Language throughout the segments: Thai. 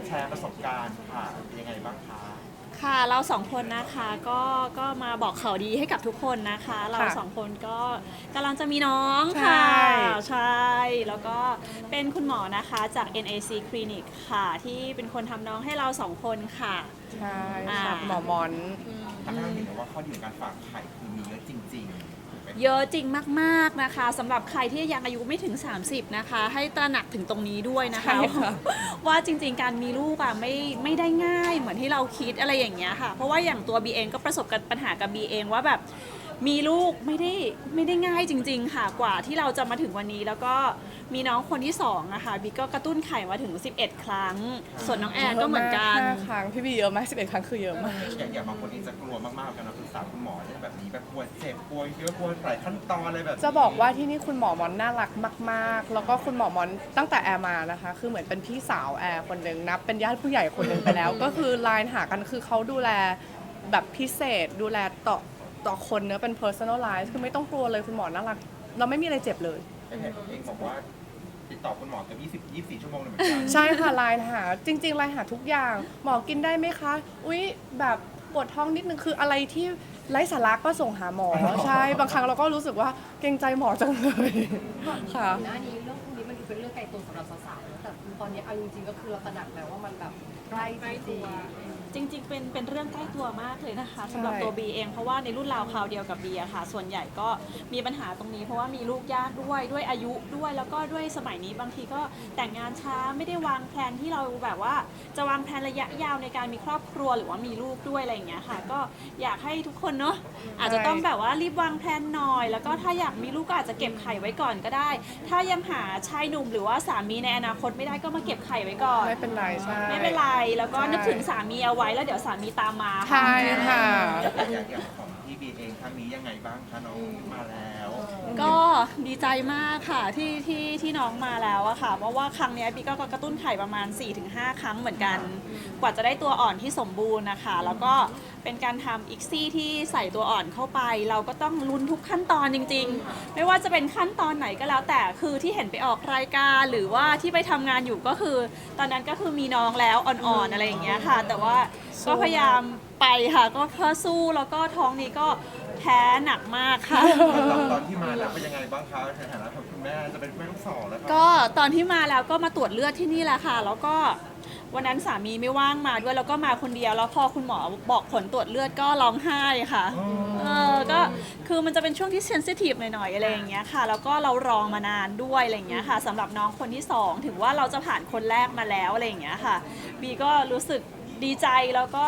แชร์ประสบการณ์ค่ะเป็นยังไงบ้างคะค่ะเราสองคนนะคะก็มาบอกข่าวดีให้กับทุกคนนะคะเราสองคนก็กำลังจะมีน้องค่ะใช่แล้วก็เป็นคุณหมอนะคะจาก NAC Clinic ค่ะที่เป็นคนทำน้องให้เราสองคนค่ะใช่ค่ะหมอมอนทำให้เราเห็นว่าข้อดีของการฝากไข่คือมีเยอะจริงๆถูกไหมเยอะจริงมากๆนะคะสำหรับใครที่ยังอายุไม่ถึง 30นะคะให้ตระหนักถึงตรงนี้ด้วยนะคะว่าจริงๆการมีลูกอ่ะไม่ได้ง่ายเหมือนที่เราคิดอะไรอย่างเงี้ยค่ะเพราะว่าอย่างตัวบีเองก็ประสบกับปัญหากับบีเองว่าแบบมีลูกไม่ได้ง่ายจริงๆค่ะกว่าที่เราจะมาถึงวันนี้แล้วก็มีน้องคนที่2อะค่ะบีก็กระตุ้นไข่มาถึง11ครั้งส่วนน้องแอนก็เหมือนกัน 5 ครั้งพี่บีเยอะมาก11 ครั้งคือเยอะมากอย่างบางคนเองจะกลัวมากๆกันนะปรึกษาคุณหมอเรื่องแบบนี้แบบกลัวเจ็บกลัวเยอะกลัวหลายขั้นตอนอะไรแบบจะบอกว่าที่นี่คุณหมอมอนน่ารักมากๆแล้วก็คุณหมอมอนตั้งแต่แอร์มานะคะคือเหมือนเป็นพี่สาวแอร์คนหนึ่งนับเป็นญาติผู้ใหญ่คนหนึ่งไปแล้วก็คือไลน์หากันคือเขาดูแลแบบพิเศษดูแลต่อคนเนื้อเป็น personalize คือไม่ต้องกลัวเลยคุณหมอน่ารักเราไม่มีอะไรเจ็บเลยเองบอกว่าติดต่อคุณหมอกับ24 ชั่วโมงเลยเหมือนกันใช่ค่ะไลน์หาจริงๆไลน์หาทุกอย่างหมอกินได้ไหมคะอุ๊ยแบบปวดท้องนิดนึงคืออะไรที่ไร้สาระก็ส่งหาหมอใช่บางครั้งเราก็รู้สึกว่าเกรงใจหมอจังเลยค่ะหน้านี้เรื่องพวกนี้มันดูเป็นเรื่องไกลตัวสำหรับสาวๆนะแต่ตอนนี้เอาจริงๆก็คือเราตระหนักแล้วว่ามันแบบใกล้ตัวจริงๆเป็นเรื่องใกล้ตัวมากเลยนะคะสำหรับตัวบีเองเพราะว่าในรุ่นราวคราวเดียวกับบีอะค่ะส่วนใหญ่ก็มีปัญหาตรงนี้เพราะว่ามีลูกยากด้วยอายุด้วยแล้วก็ด้วยสมัยนี้บางทีก็แต่งงานช้าไม่ได้วางแผนที่เราแบบว่าจะวางแผนระยะยาวในการมีครอบครัวหรือว่ามีลูกด้วยอะไรอย่างเงี้ยค่ะก็อยากให้ทุกคนเนาะอาจจะต้องแบบว่ารีบวางแผนหน่อยแล้วก็ถ้าอยากมีลูกก็อาจจะเก็บไข่ไว้ก่อนก็ได้ถ้ายังหาชายหนุ่มหรือว่าสามีในอนาคตไม่ได้ก็มาเก็บไข่ไว้ก่อนไม่เป็นไรใช่ไม่เป็นไรแล้วก็นึกถึงสามีเอาไว้แล้วเดี๋ยวสามีตามมาใช่ค่ะอย่างของพี่บีเองครั้งนี้ยังไงบ้างคะน้องมาแล้วก็ดีใจมากค่ะที่น้องมาแล้วอะค่ะเพราะว่าครั้งนี้บีก็กระตุ้นไข่ประมาณ 4-5 ครั้งเหมือนกันกว่าจะได้ตัวอ่อนที่สมบูรณ์นะคะแล้วก็เป็นการทำอีกซี่ที่ใส่ตัวอ่อนเข้าไปเราก็ต้องลุ้นทุกขั้นตอนจริงๆไม่ว่าจะเป็นขั้นตอนไหนก็แล้วแต่คือที่เห็นไปออกรายการหรือว่าที่ไปทำงานอยู่ก็คือตอนนั้นก็คือมีน้องแล้วอ่อนๆอะไรอย่างเงี้ยค่ะแต่ว่าก็พยายามไปค่ะก็เพื่อสู้แล้วก็ท้องนี้ก็แพ้หนักมากค่ะตอนที่มาแล้วเป็นยังไงบ้างคะในฐานะคุณแม่จะเป็นแม่ลูกสองแล้วก็ตอนที่มาแล้วก็มาตรวจเลือดที่นี่แหละค่ะแล้วก็วันนั้นสามีไม่ว่างมาด้วยแล้วก็มาคนเดียวแล้วพอคุณหมอบอกผลตรวจเลือดก็ร้องไห้ค่ะก็คือมันจะเป็นช่วงที่เซนซิทีฟหน่อยๆอะไรอย่างเงี้ยค่ะแล้วก็เรารอมานานด้วยอะไรอย่างเงี้ยค่ะสำหรับน้องคนที่2ถึงว่าเราจะผ่านคนแรกมาแล้วอะไรอย่างเงี้ยค่ะบีก็รู้สึกดีใจแล้วก็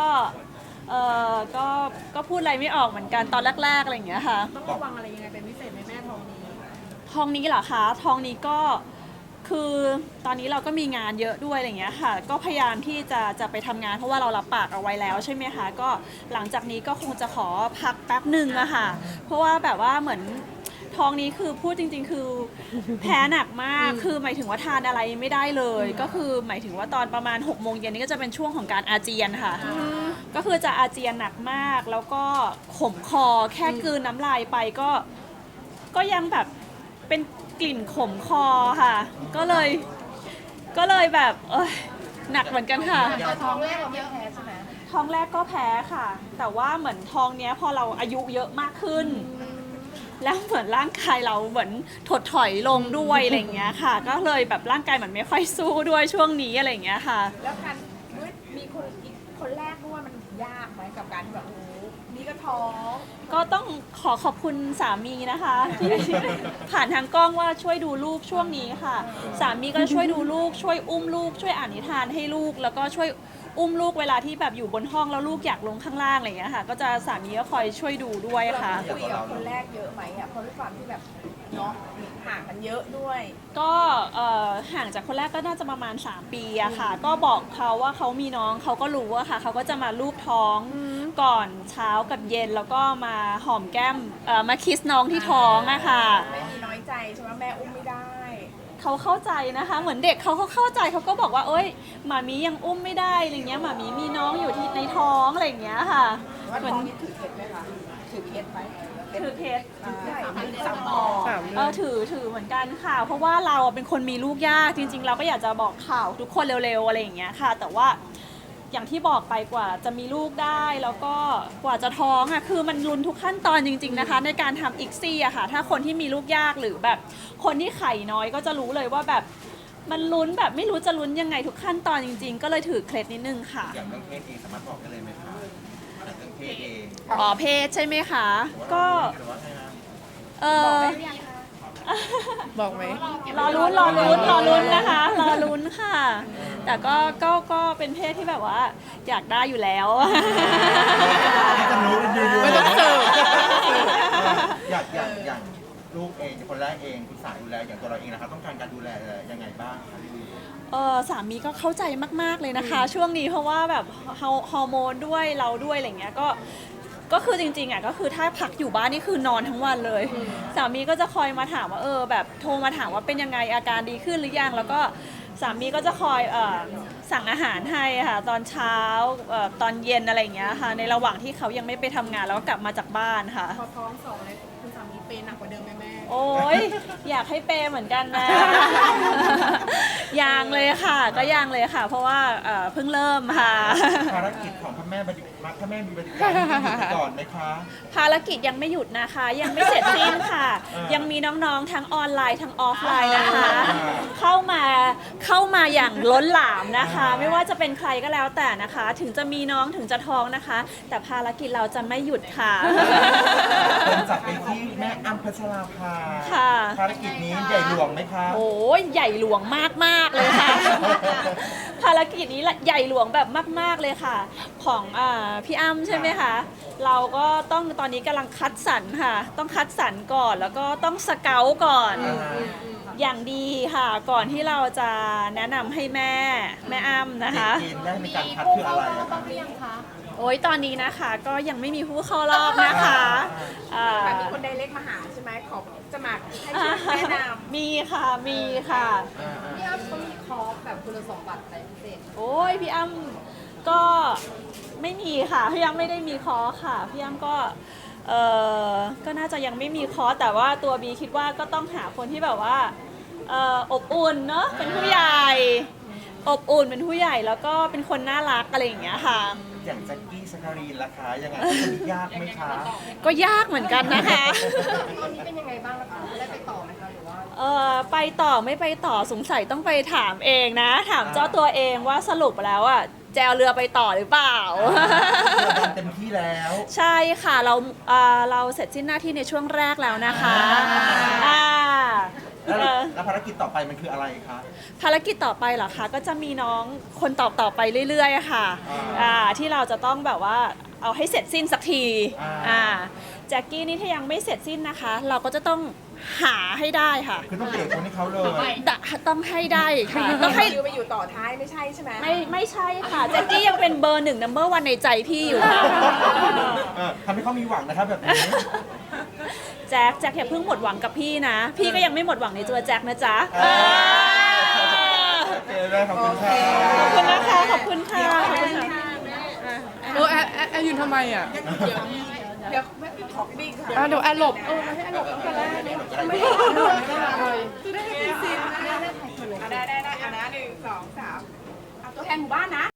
ก็พูดอะไรไม่ออกเหมือนกันตอนแรกๆอะไรอย่างเงี้ยค่ะต้องระวังอะไรยังไงเป็นพิเศษไหมแม่ท้องนี้ท้องนี้เหรอคะท้องนี้ก็คือตอนนี้เราก็มีงานเยอะด้วยอะไรอย่างเงี้ยค่ะก็พยายามที่จะไปทำงานเพราะว่าเรารับปากเอาไว้แล้วใช่ไหมคะก็หลังจากนี้ก็คงจะขอพักแป๊บหนึ่งอะค่ะเพราะว่าแบบว่าเหมือนท้องนี้คือพูดจริงๆคือแพ้หนักมากคือหมายถึงว่าทานอะไรไม่ได้เลยก็คือหมายถึงว่าตอนประมาณ6 โมงเย็นนี่ก็จะเป็นช่วงของการอาเจียนค่ะก็คือจะอาเจียนหนักมากแล้วก็ขมคอแค่กลืนน้ำลายไปก็ยังแบบเป็นกลิ่นขมคอค่ะก็เลยแบบหนักเหมือนกันค่ะท้องแรกเราไม่แพ้ใช่ไหมท้องแรกก็แพ้ค่ะ แต่ว่าเหมือนท้องเนี้ยพอเราอายุเยอะมากขึ้นแล้วเหมือนร่างกายเราเหมือนถดถอยลงด้วยอะไรอย่างเงี้ยค่ะก็เลยแบบร่างกายเหมือนไม่ค่อยสู้ด้วยช่วงนี้อะไรอย่างเงี้ยค่ะแล้วการมีคนแรกด้วยมันยากไหมกับการที่แบบโอ้นี่ก็ท้องก็ต้องขอบคุณสามีนะคะที่ผ่านทางกล้องว่าช่วยดูลูกช่วงนี้ค่ะสามีก็ช่วยดูลูกช่วยอุ้มลูกช่วยอ่านนิทานให้ลูกแล้วก็ช่วยอุ้มลูกเวลาที่แบบอยู่บนห้องแล้วลูกอยากลงข้างล่างอะไรอย่างเงี้ยค่ะก็จะสามีก็คอยช่วยดูด้วยค่ะคุยกับคนแรกเยอะไหมอ่ะเพราะด้วยความที่แบบเนาะห่างกันเยอะด้วยก็ห่างจากคนแรกก็น่าจะประมาณ3 ปีอะค่ะก็บอกเขาว่าเขามีน้องเขาก็รู้อะค่ะเขาก็จะมาลูบท้องก่อนเช้ากับเย็นแล้วก็มาหอมแก้มมาคิสน้องที่ท้องอะค่ะไม่มีน้อยใจใช่ไหมแม่อุ้มไม่ได้เขาเข้าใจนะคะเหมือนเด็กเขาเข้าใจเขาก็บอกว่าเอ้ยหมามียังอุ้มไม่ได้อะไรเงี้ยหมามีมีน้องอยู่ที่ในท้องอะไรอย่างเงี้ยค่ะว่าท้องนี้ถือเคล็ดไหมคะถือเคสไหมถือเคสสามหมอถือเหมือนกันค่ะ เพราะว่าเราเป็นคนมีลูกยากจริง ๆ เราก็อยากจะบอกข่าวทุกคนเร็วๆอะไรอย่างเงี้ยค่ะ แต่ว่าอย่างที่บอกไปกว่าจะมีลูกได้แล้วก็กว่าจะท้องอ่ะคือมันลุ้นทุกขั้นตอนจริงๆนะคะ ในการทำอิกซี่อะค่ะ ถ้าคนที่มีลูกยากหรือแบบคนที่ไข่น้อยก็จะรู้เลยว่าแบบมันลุ้นแบบไม่รู้จะลุ้นยังไงทุกขั้นตอนจริง ๆ ก็เลยถือเคล็ดนิดนึงค่ะอย่างเรื่องเพศเองสามารถบอกได้เลยไหมคะอย่างเรื่องเพศเองอ๋อเพศใช่ไหมคะก็หรือว่าไงนะเออบอกไหมรอลุ้นนะคะรอลุ้นค่ะ แต่ก็เป็นเพศที่แบบว่าอยากได้อยู่แล้วจะรู้กันอยู่ไม่ต้องสืบอย่างลูกเองคนแรกเองคุณสายดูแลอย่างตัวเราเองนะครับต้องการการดูแลยังไงบ้างคะพี่สามีก็เข้าใจมากๆเลยนะคะ ช่วงนี้เพราะว่าแบบฮอร์โมนด้วยเราด้วยอะไรเงี้ยก็คือจริงๆอ่ะก็คือถ้าพักอยู่บ้านนี่คือนอนทั้งวันเลย สามีก็จะคอยมาถามว่าแบบโทรมาถามว่าเป็นยังไงอาการดีขึ้นหรือยังแล้วก็สามีก็จะคอยสั่งอาหารให้ค่ะตอนเช้าตอนเย็นอะไรอย่างเงี้ยค่ะในระหว่างที่เขายังไม่ไปทำงานแล้วก็กลับมาจากบ้านค่ะพอท้อง2เลยคุณสามีเปย์หนักกว่าเดิมไหมแม่โอ้ยอยากให้เปย์เหมือนกันนะ ยังเลยค่ะก็ยังเลยค่ะ เพราะว่าเพิ่งเริ่มค่ะภารกิจของพระแม่มีบริการที่อยู่ไปก่อนไหมคะภารกิจยังไม่หยุดนะคะ ยังไม่เสร็จสิ้นค่ะ ยังมีน้องๆทั้งออนไลน์ทั้งออฟไลน์นะคะ เข้ามาอย่างล้นหลามนะคะ ไม่ว่าจะเป็นใครก็แล้วแต่นะคะ ถึงจะมีน้องถึงจะท้องนะคะ แต่ภารกิจเราจะไม่หยุดค่ะคนจับไปที่แม่อัมพัชราภาค่ะภารกิจนี้ใหญ่หลวงไหมคะโอ้ยใหญ่หลวงมากๆเลยค่ะ ภารกิจนี้ใหญ่หลวงแบบมากๆเลยค่ะ ของพี่อ้ำใช่ไหมคะ เราก็ต้องตอนนี้กำลังคัดสรรค่ะ ต้องคัดสรรก่อนแล้วก็ต้องสเกาต์ก่อน อย่างดีค่ะ ก่อนที่เราจะแนะนำให้แม่อ้ำนะคะเกณฑ์แรกในการคัดคืออะไรอะคะโอ้ยตอนนี้นะคะก็ยังไม่มีผู้เข้ารอบนะคะอ่าแต่มีคนไดเรกมาหาใช่ไหมขอจะมาให้ช่วยแนะนำมีค่ะมีค่ะพี่อ้ำเขามีคอร์สแบบคุณสมบัติอะไรพิเศษโอ้ยพี่อ้ำก็ไม่มีค่ะพี่อ้ำไม่ได้มีคอร์สค่ะพี่อ้ำก็ก็น่าจะยังไม่มีคอร์สแต่ว่าตัวบีคิดว่าก็ต้องหาคนที่แบบว่าอบอุ่นเนาะเป็นผู้ใหญ่อบอุ่นเป็นผู้ใหญ่แล้วก็เป็นคนน่ารักอะไรอย่างเงี้ยค่ะอย่างแจ็คกี้สการีนราคายังไงคนนี้ยากไหมคะก็ยากเหมือนกันนะคะตอนนี้เป็นยังไงบ้างล่ะคะได้ไปต่อไหมคะหรือว่าไปต่อไม่ไปต่อสงสัยต้องไปถามเองนะ ถามเจ้าตัวเองว่าสรุปแล้วอ่ะแจวเรือไปต่อหรือเปล่าเต็มที่แล้วใช่ค่ะเราเสร็จสิ้นหน้าที่ในช่วงแรกแล้วนะคะอ่าแล้วภารกิจต่อไปมันคืออะไรคะภารกิจต่อไปเหรอคะก็จะมีน้องคนต่อไปเรื่อยๆค่ะที่เราจะต้องแบบว่าเอาให้เสร็จสิ้นสักทีแจ็คกี้นี่ถ้ายังไม่เสร็จสิ้นนะคะ เราก็จะต้องหาให้ได้ค่ะคือต้องเบรกคนให้เขาเลยต้องให้ได้ค่ะต้องให้คิวไปอยู่ต่อท้ายไม่ใช่ใช่ไหมไม่ใช่ค่ะแจ็คกี้ยังเป็นเบอร์1 number 1ในใจพี่อยู่ค่ะทำให้เขามีหวังนะครับแบบนี้แจ็คอย่าเพิ่งหมดหวังกับพี่นะ พี่ก็ยังไม่หมดหวังในตัวแจ็คนะจ๊ะโอเคได้ขอบคุณค่ะขอบคุณนะคะขอบคุณค่ะขอบคุณค่ะแอร์ยืนทำไมอ่ะเดี๋ยวขอบิ๊กค่ะเดี๋ยวแอร์หลบไม่ให้หลบตั้งแต่แรกเลยไม่จะได้ให้ซีนได้อันนะ1 2 3เอาตัวแทนหมู่บ้านนะ